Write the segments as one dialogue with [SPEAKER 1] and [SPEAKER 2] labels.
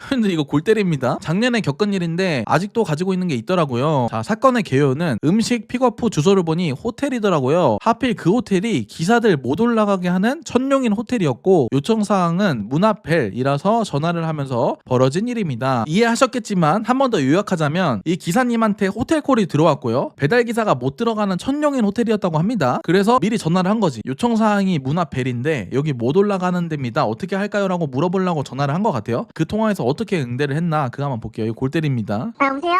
[SPEAKER 1] 근데 이거 골 때립니다. 작년에 겪은 일인데 아직도 가지고 있는 게 있더라고요. 자, 사건의 개요는 음식 픽업 후 주소를 보니 호텔이더라고요. 하필 그 호텔이 기사들 못 올라가게 하는 천룡인 호텔이었고 요청사항은 문 앞 벨이라서 전화를 하면서 벌어진 일입니다. 이해하셨겠지만 한 번 더 요약하자면 이 기사님한테 호텔콜이 들어왔고요. 배달기사가 못 들어가는 천룡인 호텔이었다고 합니다. 그래서 미리 전화를 한 거지. 요청사항이 문 앞 벨인데 여기 못 올라가는 데입니다. 어떻게 할까요? 라고 물어보려고 전화를 한 것 같아요. 그 통화에서 어떻게 응대를 했나 그거 한번 볼게요. 이거 골 때립니다.
[SPEAKER 2] 여보세요?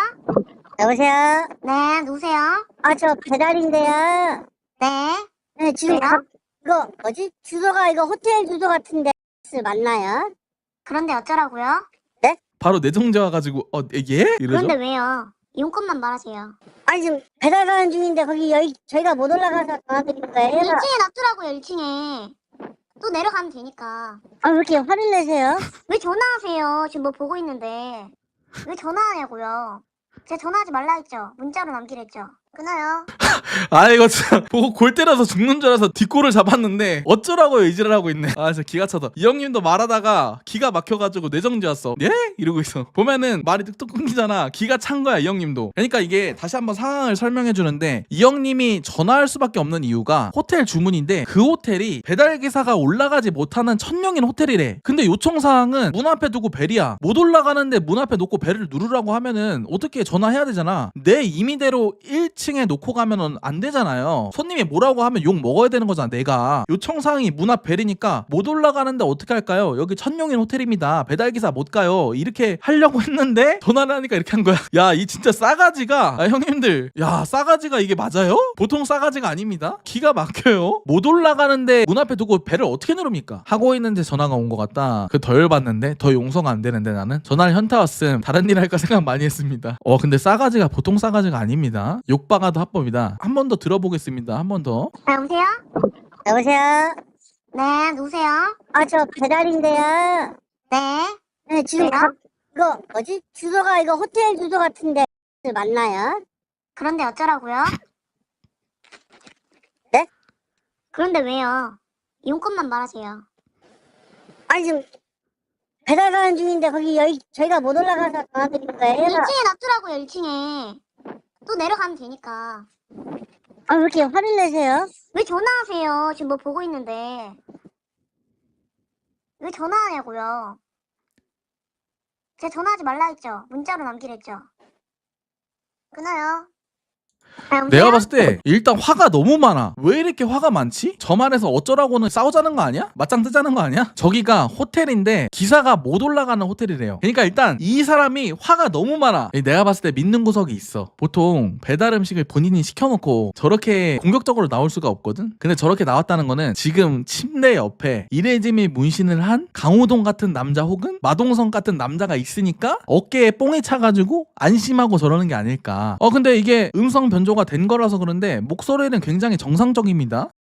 [SPEAKER 3] 여보세요?
[SPEAKER 2] 네, 누구세요?
[SPEAKER 3] 저 배달인데요.
[SPEAKER 2] 네.
[SPEAKER 3] 네, 지금
[SPEAKER 2] 왜요?
[SPEAKER 3] 이거 뭐지? 주소가 이거 호텔 주소 같은데 맞나요?
[SPEAKER 2] 그런데 어쩌라고요?
[SPEAKER 1] 바로 내정자 와가지고 예? 이러죠?
[SPEAKER 2] 그런데 왜요? 용건만 말하세요.
[SPEAKER 3] 아니 지금 배달 가는 중인데 거기 여기 저희가 못 올라가서 전화드린 거예요.
[SPEAKER 2] 1층에 놔두라고요, 1층에. 또 내려가면 되니까.
[SPEAKER 3] 왜 이렇게 화를 내세요?
[SPEAKER 2] 왜 전화하세요? 지금 뭐 보고 있는데. 왜 전화하냐고요? 제가 전화하지 말라 했죠? 문자로 남기랬죠? 끊어요.
[SPEAKER 1] 아 이거 진짜 보고 골 때려서 죽는 줄 알아서 뒷골을 잡았는데 어쩌라고요 이지랄 하고 있네. 아 진짜 기가 차다. 이 형님도 말하다가 기가 막혀가지고 뇌정지 왔어. 예? 이러고 있어. 보면은 말이 뚝뚝 끊기잖아. 기가 찬 거야 이 형님도. 그러니까 이게 다시 한번 상황을 설명해 주는데 이 형님이 전화할 수밖에 없는 이유가 호텔 주문인데 그 호텔이 배달기사가 올라가지 못하는 천령인 호텔이래. 근데 요청사항은 문 앞에 두고 벨이야. 못 올라가는데 문 앞에 놓고 벨을 누르라고 하면은 어떻게 전화해야 되잖아. 내 임의대로 1층에 놓고 가면은 안 되잖아요. 손님이 뭐라고 하면 욕 먹어야 되는 거잖아. 내가 요청사항이 문 앞 벨이니까 못 올라가는데 어떻게 할까요? 여기 천룡인 호텔입니다. 배달기사 못 가요. 이렇게 하려고 했는데 전화를 하니까 이렇게 한 거야. 야, 이 진짜 싸가지가 형님들, 야, 싸가지가 이게 맞아요? 보통 싸가지가 아닙니다. 기가 막혀요. 못 올라가는데 문 앞에 두고 벨을 어떻게 누릅니까? 하고 있는데 전화가 온 것 같다. 그 더 열받는데 더 용서가 안 되는데 나는 전화를 현타 왔음. 다른 일 할까 생각 많이 했습니다. 근데 싸가지가 보통 싸가지가 아닙니다. 욕박아도 합법이다. 한 번 더 들어보겠습니다. 한 번 더.
[SPEAKER 2] 여보세요?
[SPEAKER 3] 여보세요?
[SPEAKER 2] 네, 누구세요?
[SPEAKER 3] 저 배달인데요.
[SPEAKER 2] 네.
[SPEAKER 3] 네, 지금
[SPEAKER 2] 왜요?
[SPEAKER 3] 이거 뭐지? 주소가 이거 호텔 주소 같은데 맞나요?
[SPEAKER 2] 그런데 어쩌라고요?
[SPEAKER 3] 네?
[SPEAKER 2] 그런데 왜요? 용건만 말하세요.
[SPEAKER 3] 아니 지금 배달 가는 중인데 거기 여기 저희가 못 올라가서 전화드린 거예요.
[SPEAKER 2] 1층에 놔두라고요, 1층에. 또 내려가면 되니까.
[SPEAKER 3] 왜 이렇게 화를 내세요?
[SPEAKER 2] 왜 전화하세요? 지금 뭐 보고 있는데. 왜 전화하냐고요? 제가 전화하지 말라 했죠? 문자로 남기랬죠? 끊어요. 여보세요?
[SPEAKER 1] 내가 봤을 때 일단 화가 너무 많아. 왜 이렇게 화가 많지? 저 말에서 어쩌라고는 싸우자는 거 아니야? 맞짱 뜨자는 거 아니야? 저기가 호텔인데 기사가 못 올라가는 호텔이래요. 그러니까 일단 이 사람이 화가 너무 많아. 내가 봤을 때 믿는 구석이 있어. 보통 배달 음식을 본인이 시켜놓고 저렇게 공격적으로 나올 수가 없거든? 근데 저렇게 나왔다는 거는 지금 침대 옆에 이레짐이 문신을 한 강호동 같은 남자 혹은 마동성 같은 남자가 있으니까 어깨에 뽕이 차가지고 안심하고 저러는 게 아닐까. 근데 이게 음성 변조가 된 거라서 그런데 목소리는 굉장히 정상적입니다.